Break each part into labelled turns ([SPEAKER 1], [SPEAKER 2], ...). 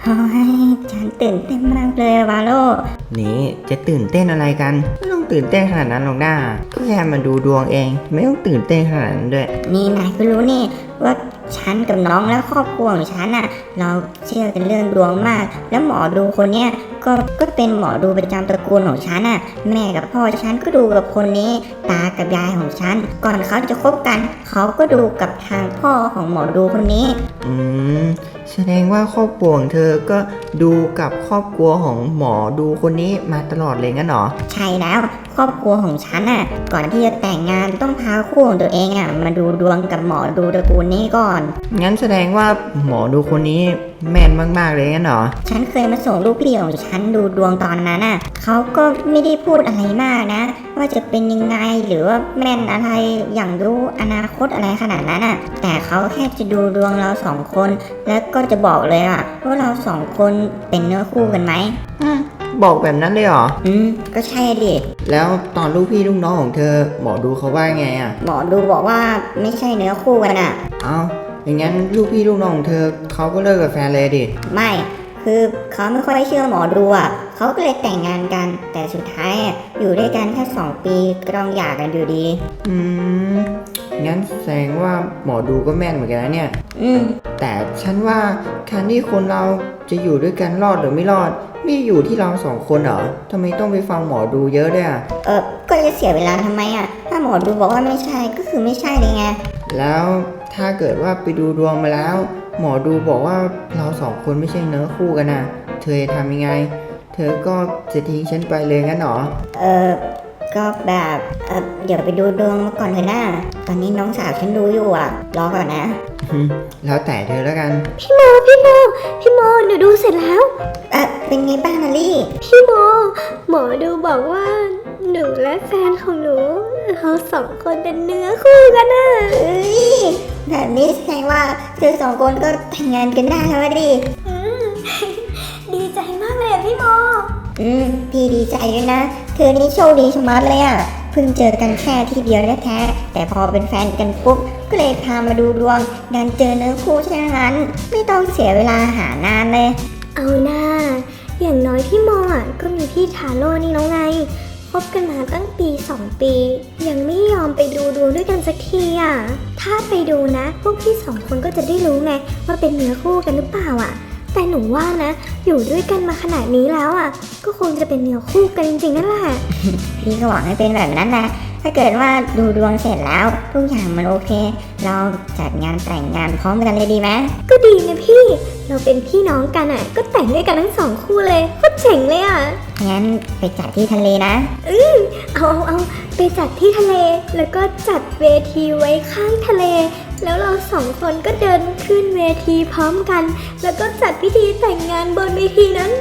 [SPEAKER 1] โอ้ยฉันตื่นเต้นมากเลยวาโล
[SPEAKER 2] นี่จะตื่นเต้นอะไรกันไม่ต้องตื่นเต้นขนาดนั้นหรอกนะก็แค่มาดูดวงเองไม่ต้องตื่นเต้นขนาดนั้นด้วย
[SPEAKER 1] นี่นายก็รู้นี่ว่าฉันกับน้องและครอบครัวของฉันอ่ะเราเชื่อกันเรื่องดวงมากแล้วหมอดูคนเนี้ยก็เป็นหมอดูประจำตระกูลของฉันอ่ะแม่กับพ่อฉันก็ดูกับคนนี้ตากับยายของฉันก่อนเขาจะคบกันเขาก็ดูกับทางพ่อของหมอดูคนนี้
[SPEAKER 2] แสดงว่าครอบครัวของเธอก็ดูกับครอบครัวของหมอดูคนนี้มาตลอดเลยงั้นหรอ
[SPEAKER 1] ใช่แล้วครอบครัวของฉันอ่ะก่อนที่จะแต่งงานต้องพาคู่ของตัวเองอ่ะมาดูดวงกับหมอดูตระกูลนี้ก่อน
[SPEAKER 2] งั้นแสดงว่าหมอดูคนนี้แม่นมากๆเลยงั้นหรอ
[SPEAKER 1] ฉันเคยมาส่งลูกพี่ของฉันดูดวงตอนนั้นอ่ะเขาก็ไม่ได้พูดอะไรมากนะว่าจะเป็นยังไงหรือว่าแม่นอะไรอย่างรู้อนาคตอะไรขนาดนั้นอ่ะแต่เขาแค่จะดูดวงเราสองคนแล้วก็จะบอกเลยอ่ะว่าเราสองคนเป็นเนื้อคู่กันไหม
[SPEAKER 2] บอกแบบนั้นเลยเหรอ
[SPEAKER 1] ก็ใช่ดิ
[SPEAKER 2] แล้วตอนลูกพี่ลูกน้องของเธอหมอดูเขาว่าไงอ่ะ
[SPEAKER 1] หมอดูบอกว่าไม่ใช่เนื้อคู่กันอ่ะ
[SPEAKER 2] อย่างงั้นลูกพี่ลูกน้องของเธอเขาก็เลิกกับแฟนเลยดิ
[SPEAKER 1] ไม่คือเขาไม่ค่อยเชื่อหมอดูอ่ะเขาก็เลยแต่งงานกันแต่สุดท้ายอยู่ด้วยกันแค่2 ปีก็ต้องหย่ากันอยู่ดี
[SPEAKER 2] งั้นแสดงว่าหมอดูก็แม่นเหมือนกันนะเนี่ยแต่ฉันว่าการที่คนเราจะอยู่ด้วยกันรอดหรือไม่รอดไม่อยู่ที่เรา2 คนเหรอทำไมต้องไปฟังหมอดูเยอะด้วย
[SPEAKER 1] ก็จะเสียเวลาทำไมอ่ะถ้าหมอดูบอกว่าไม่ใช่ก็คือไม่ใช่เลยไง
[SPEAKER 2] แล้วถ้าเกิดว่าไปดูดวงมาแล้วหมอดูบอกว่าเรา2 คนไม่ใช่เนื้อคู่กันนะเธอจะทำยังไงเธอก็จะทิ้งฉันไปเลยงั้นหรอ
[SPEAKER 1] ก็แบบเดี๋ยวไปดูดวงมาก่อนเถอะนะตอนนี้น้องสาวฉันดูอยู่อ่ะรอก่อนนะ
[SPEAKER 2] แล้วแต่เธอแล้วกัน
[SPEAKER 3] พี่โมหนูดูเสร็จแล้ว
[SPEAKER 1] เป็นไงบ้างนะลี่
[SPEAKER 3] พี่โมหมอดูบอกว่าหนูและแฟนของหนูเรา2 คนเป็นเนื้อคู่กันน่ะ
[SPEAKER 1] แบบนี้แสดงว่าเธอ2 คนก็แต่งงานกันได้แล้วดิ
[SPEAKER 3] ดีใจมากเลยพี่โม
[SPEAKER 1] พี่ดีใจด้วยนะเธอนี่โชคดีชะมัดเลยอ่ะเพิ่งเจอกันแค่ที่เดียวแท้ๆแต่พอเป็นแฟนกันปุ๊บก็เลยพามาดูดวงดันเจอเนื้อคู่ฉะนั้นไม่ต้องเสียเวลาหานานเลย
[SPEAKER 3] เอาหน้าอย่างน้อยพี่โมก็มีพี่ทาโร่นี่น้องไงคบกันมาตั้งปี 2 ปียังไม่ยอมไปดูดวงด้วยกันสักทีอ่ะถ้าไปดูนะพวกพี่2 คนก็จะได้รู้ไงว่าเป็นเนื้อคู่กันหรือเปล่าอ่ะแต่หนูว่านะอยู่ด้วยกันมาขนาดนี้แล้วอ่ะก็คงจะเป็นเนื้อคู่กันจริงๆนั่นแหละ
[SPEAKER 1] พี่ก็หวังให้เป็นแบบนั้นนะถ้าเกิดว่าดูดวงเสร็จแล้วทุกอย่างมันโอเคเราจัดงานแต่งงานพร้อมกันเลยดีไหม
[SPEAKER 3] ก็ดีนะพี่เราเป็นพี่น้องกันอ่ะก็แต่งด้วยกันทั้ง2 คู่เลยโคตรเจ๋งเลยอ่ะ
[SPEAKER 1] งั้นไปจัดที่ทะเลนะ
[SPEAKER 3] เอาไปจัดที่ทะเลแล้วก็จัดเวทีไว้ข้างทะเลแล้วเรา2 คนก็เดินขึ้นเวทีพร้อมกันแล้วก็จัดพิธีแต่งงานบนเวทีนั้น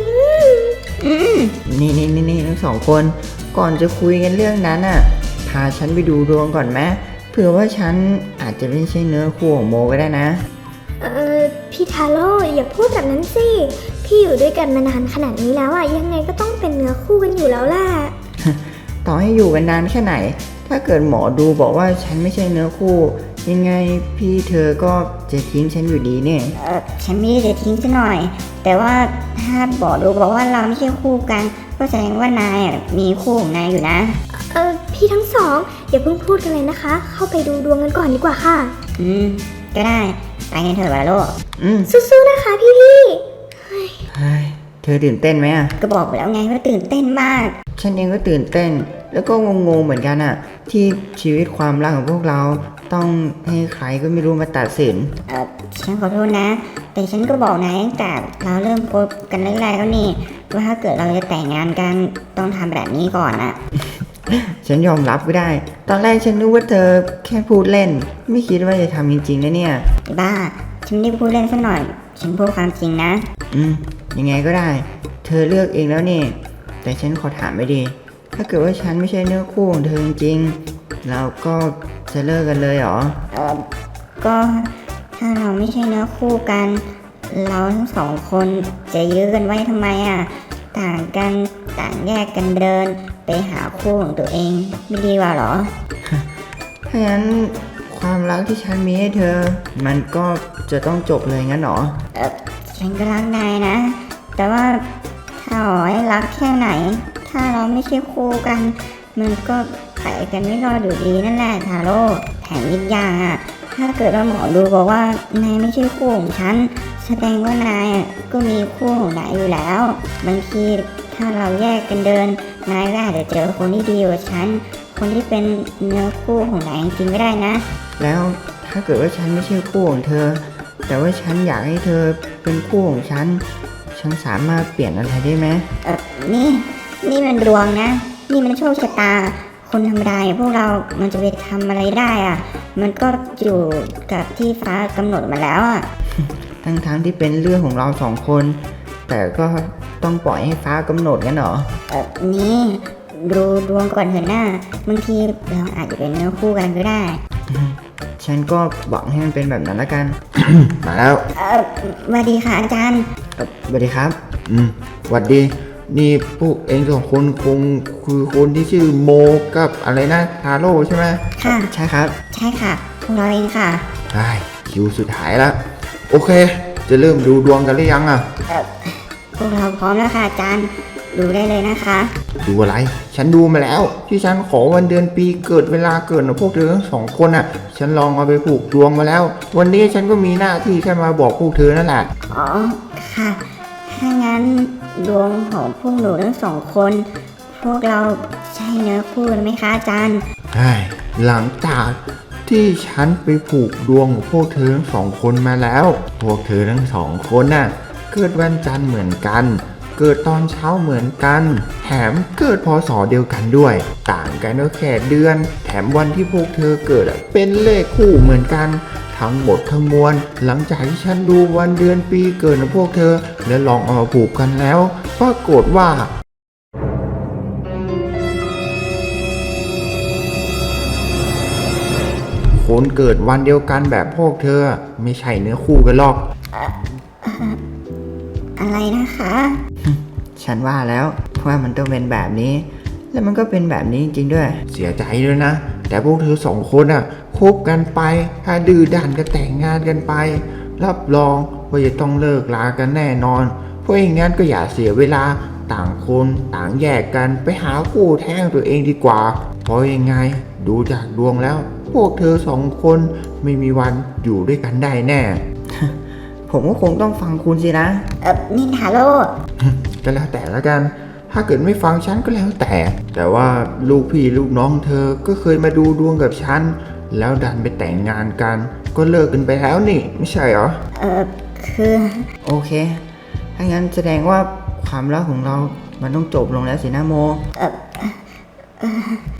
[SPEAKER 2] นี่ทั้ง2 คนก่อนจะคุยกันเรื่องนั้นอ่ะพาฉันไปดูดวงก่อนไหมเผื่อว่าฉันอาจจะไม่ใช่เนื้อคู่ของโมก็ได้นะ
[SPEAKER 3] พี่ทาโร่อย่าพูดแบบนั้นสิพี่อยู่ด้วยกันมานานขนาดนี้แล้วอ่ะยังไงก็ต้องเป็นเนื้อคู่กันอยู่แล้วแหละ
[SPEAKER 2] ต่อให้อยู่กันนานแค่ไหนถ้าเกิดหมอดูบอกว่าฉันไม่ใช่เนื้อคู่ยังไงพี่เธอก็จะทิ้งฉันอยู่ดีเนี่ย
[SPEAKER 1] ฉันไม่ได้จะทิ้งซะหน่อยแต่ว่าถ้าหมอดูบอกว่าเราไม่ใช่คู่กันก็แสดงว่านายมีคู่ของนายอยู่นะ
[SPEAKER 3] พี่ทั้งสองอย่าเพิ่งพูดกันเลยนะคะเข้าไปดูดวงกันก่อนดีกว่าค่ะ
[SPEAKER 1] ก็ได้ไปกันเถอะวาโล
[SPEAKER 3] สู้ๆนะคะพี่
[SPEAKER 2] เธอตื่นเต้นไหมอ่ะ
[SPEAKER 1] ก็บอกไปแล้วไงว่าตื่นเต้นมาก
[SPEAKER 2] ฉันเองก็ตื่นเต้นแล้วก็งงๆเหมือนกันอ่ะที่ชีวิตความรักของพวกเราต้องให้ใครก็ไม่รู้มาตัดสิน
[SPEAKER 1] ฉันขอโทษนะแต่ฉันก็บอกนายตั้งแต่เราเริ่มคบกันแรกๆแล้วนี่ว่าถ้าเกิดเราจะแต่งงานกันต้องทำแบบนี้ก่อนอ่ะ
[SPEAKER 2] ฉันยอมรับก็ได้ตอนแรกฉันนึกว่าเธอแค่พูดเล่นไม่คิดว่าจะทำจริงๆนะเนี่ย
[SPEAKER 1] บ้าฉันไม่ได้พูดเล่นซะหน่อยฉันพูดความจริงนะ
[SPEAKER 2] ยังไงก็ได้เธอเลือกเองแล้วนี่แต่ฉันขอถามไม่ดีถ้าเกิดว่าฉันไม่ใช่เนื้อคู่ของเธอจริงๆเราก็จะเลิกกันเลยเหรอ
[SPEAKER 1] ก็ถ้าเราไม่ใช่เนื้อคู่กันเราทั้ง2 คนจะยื้อกันไว้ทำไมต่างกันต่างแยกกันเดินไปหาคู่ของตัวเองไม่ดีกว่าหรอ
[SPEAKER 2] ถ้างั้นความรักที่ฉันมีให้เธอมันก็จะต้องจบเลยงั้นหรอ
[SPEAKER 1] ฉฉันก็รักนายนะ แต่ว่าถ้าอ๋อยรักแค่ไหน ถ้าเราไม่ใช่คู่กัน มันก็ไปกันไม่รอดอยู่ดีนั่นแหละทาโร่แถมอีกอย่างอ่ะ ถ้าเกิดว่าหมอดูบอกว่านายไม่ใช่คู่ของฉัน แสดงว่านายอ่ะก็มีคู่ของนายอยู่แล้ว บางทีถ้าเราแยกกันเดิน นายก็อาจจะเจอคนที่ดีกว่าฉัน คนที่เป็นเนื้อคู่ของนายจริงๆก็ได้นะ
[SPEAKER 2] แล้วถ้าเกิดว่าฉันไม่ใช่คู่ของเธอ แต่ว่าฉันอยากให้เธอเป็นคู่ของฉัน ฉันสามารถเปลี่ยนอะไรได้ไหม
[SPEAKER 1] นี่มันดวงนะ นี่มันโชคชะตา คนธรรมดาอย่างพวกเรา มันจะไปทำอะไรได้อ่ะ มันก็อยู่กับที่ฟ้ากำหนดมาแล้วอ่ะ
[SPEAKER 2] ทั้งที่เป็นเรื่องของเราสองคน แต่ก็ต้องปล่อยให้ฟ้ากำหนดกันเหรอ
[SPEAKER 1] นี่ดูดวงก่อนเถอะหน้า บางทีเราอาจจะเป็นเนื้อคู่กันก็ได้
[SPEAKER 2] ฉันก็หวังให้มันเป็นแบบนั้นละกัน
[SPEAKER 4] มาแล้ว
[SPEAKER 1] สวัสดีค่ะอาจารย์
[SPEAKER 2] สวัสดีครับ
[SPEAKER 4] หวัดดี นี่พวกเองสองคนคงคือคนที่ชื่อโมกับอะไรนะทาโร่ใช่ไหม
[SPEAKER 1] ค่ะ
[SPEAKER 2] ใช่ครับ
[SPEAKER 1] ใช่ค่ะ พวกเราเองค่ะ
[SPEAKER 4] ได้คิวสุดท้ายแล้ว โอเค จะเริ่มดูดวงกันหรือยังอ่ะ
[SPEAKER 1] พวกเราพร้อมแล้วค่ะอาจารย์ ดูได้เลยนะคะ
[SPEAKER 4] ดูอะไร ฉันดูมาแล้ว ที่ฉันขอวันเดือนปีเกิดเวลาเกิดของพวกเธอทั้งสองคนอ่ะ ฉันลองเอาไปผูกดวงมาแล้ว วันนี้ฉันก็มีหน้าที่แค่มาบอกพวกเธอนั่นแหละ
[SPEAKER 1] อ๋อ ค่ะ ถ้างั้นดวงของพวกหนูทั้งสองคน พวกเราใช่เนื้อคู่กันไหมคะอาจารย์
[SPEAKER 4] ใช่ หลังจากที่ฉันไปผูกดวงของพวกเธอทั้งสองคนมาแล้ว พวกเธอทั้งสองคนน่ะ เกิดวันจันทร์เหมือนกัน เกิดตอนเช้าเหมือนกัน แถมเกิดพศเดียวกันด้วย ต่างกันก็แค่เดือน แถมวันที่พวกเธอเกิดอะเป็นเลขคู่เหมือนกัน ทั้งหมดทั้งมวล หลังจากที่ฉันดูวันเดือนปีเกิดของพวกเธอ และลองเอามาผูกกันแล้ว ปรากฏว่า คนเกิดวันเดียวกันแบบพวกเธอ ไม่ใช่เนื้อคู่กันหรอก
[SPEAKER 1] อะไรนะคะ
[SPEAKER 2] ฉันว่าแล้วว่ามันต้องเป็นแบบนี้ แล้วมันก็เป็นแบบนี้จริงๆด้วย
[SPEAKER 4] เสียใจด้วยนะ แต่พวกเธอสองคนอ่ะคบกันไป ถ้าดื้อด้านก็แต่งงานกันไป รับรองว่าจะต้องเลิกลากันแน่นอน เพราะอย่างนั้นก็อย่าเสียเวลาต่างคนต่างแยกกันไปหาคู่แท้งตัวเองดีกว่า เพราะยังไงดูจากดวงแล้ว พวกเธอสองคนไม่มีวันอยู่ด้วยกันได้แน่
[SPEAKER 2] ผมก็คงต้องฟังคุณสินะ
[SPEAKER 1] นี่ทาโร่
[SPEAKER 4] ก็แล้วแต่ละกัน ถ้าเกิดไม่ฟังฉันก็แล้วแต่ แต่ว่าลูกพี่ลูกน้องเธอก็เคยมาดูดวงกับฉัน แล้วดันไปแต่งงานกัน ก็เลิกกันไปแล้วนี่ ไม่ใช่เหรอ
[SPEAKER 1] คือ
[SPEAKER 2] โอเค ถ้างั้นแสดงว่าความรักของเรา มันต้องจบลงแล้วสินะโม